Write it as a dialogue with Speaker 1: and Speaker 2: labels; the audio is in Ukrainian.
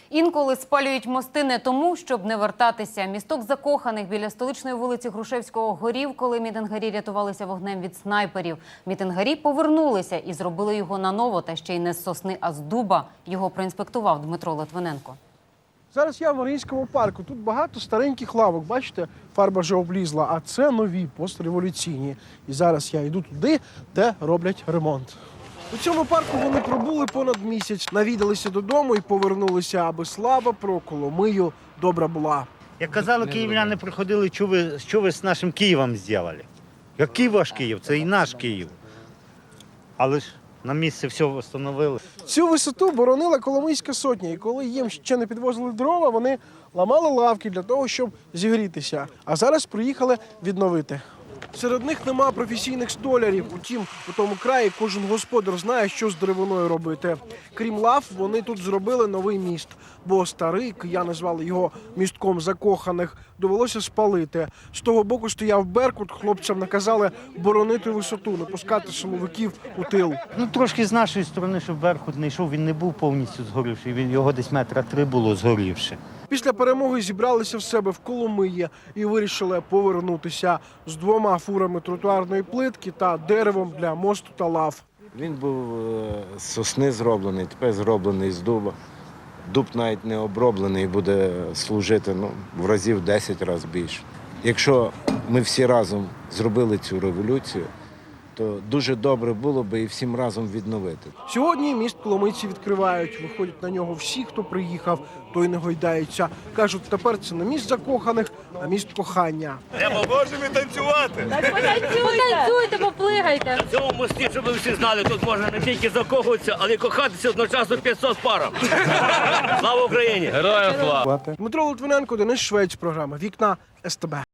Speaker 1: Інколи спалюють мости не тому, щоб не вертатися. Місток закоханих біля столичної вулиці Грушевського горів, коли мітингарі рятувалися вогнем від снайперів. Мітингарі повернулися і зробили його наново, та ще й не з сосни, а з дуба. Його проінспектував Дмитро Литвиненко.
Speaker 2: Зараз я в Маріїнському парку. Тут багато стареньких лавок. Бачите, фарба вже облізла, а це нові, постреволюційні. І зараз я йду туди, де роблять ремонт. У цьому парку вони пробули понад місяць, навідалися додому і повернулися, аби слава про Коломию добра була.
Speaker 3: Як казали, київляни приходили, що ви з нашим Києвом зробили? Який ваш Київ? Це і наш Київ. Але ж на місці все встановили.
Speaker 2: Цю висоту боронила Коломийська сотня, і коли їм ще не підвозили дрова, вони ламали лавки для того, щоб зігрітися. А зараз приїхали відновити. Серед них нема професійних столярів. Утім, у тому краї кожен господар знає, що з деревиною робити. Крім лав, вони тут зробили новий міст. Бо старий, кияни звали його містком закоханих, довелося спалити. З того боку стояв Беркут, хлопцям наказали боронити висоту, не пускати силовиків у тил.
Speaker 3: Трошки з нашої сторони, щоб Беркут не йшов, він не був повністю згорівший, його десь 3 метри було згорівши.
Speaker 2: Після перемоги зібралися в себе в Коломиї і вирішили повернутися з 2 фурами тротуарної плитки та деревом для мосту та лав.
Speaker 4: Він був з сосни зроблений, тепер зроблений з дуба. Дуб навіть не оброблений, буде служити в разів 10 разів більше. Якщо ми всі разом зробили цю революцію, то дуже добре було би і всім разом відновити.
Speaker 2: Сьогодні міст коломийці відкривають. Виходять на нього всі, хто приїхав, той не гойдається. Кажуть, тепер це не міст закоханих, а міст кохання.
Speaker 5: Ми можемо танцювати.
Speaker 6: Потанцюйте, поплигайте.
Speaker 5: На цьому мості, щоб ви всі знали, тут можна не тільки закохуватися, але й кохатися одночасно 500 парам. Слава Україні!
Speaker 2: Дмитро Литвиненко, Денис Швець, програма «Вікна СТБ».